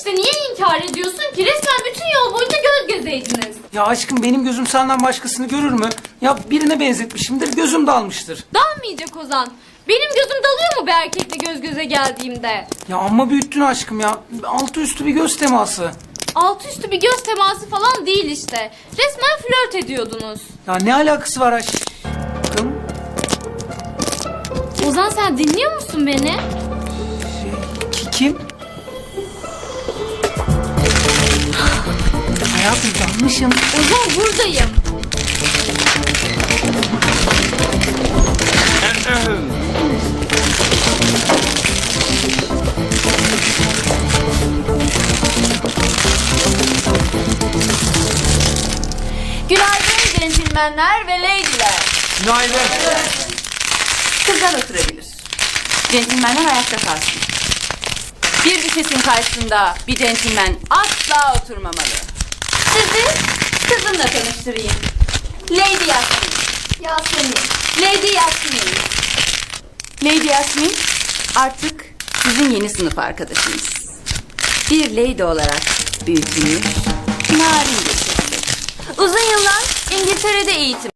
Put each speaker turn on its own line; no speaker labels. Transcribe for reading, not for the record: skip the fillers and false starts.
işte, niye inkar ediyorsun ki? Resmen bütün yol boyunca göz gözeydiniz.
Ya aşkım benim gözüm senden başkasını görür mü? Ya birine benzetmişimdir, gözüm dalmıştır.
Dalmayacak Ozan. Benim gözüm dalıyor mu bir erkekle göz göze geldiğimde?
Ya amma büyüttün aşkım ya. Altı üstü bir göz teması.
Altı üstü bir göz teması falan değil işte. Resmen flört ediyordunuz.
Ya ne alakası var aşkım?
Ozan, sen dinliyor musun beni?
Kim? Hayatım yanlışım.
Ozan, buradayım.
Günaydın centilmenler ve leydiler.
Günaydın.
Kızlar oturabilir. Centilmenler ayakta kalsın. Bir düşesin karşısında bir centilmen asla oturmamalı. Sizi kızımla tanıştırayım. Lady Yasmin. Yasemin. Lady Yasmin. Lady Yasmin artık sizin yeni sınıf arkadaşınız. Bir lady olarak büyütülmüş, narin bir çocuk. Uzun yıllar İngiltere'de eğitim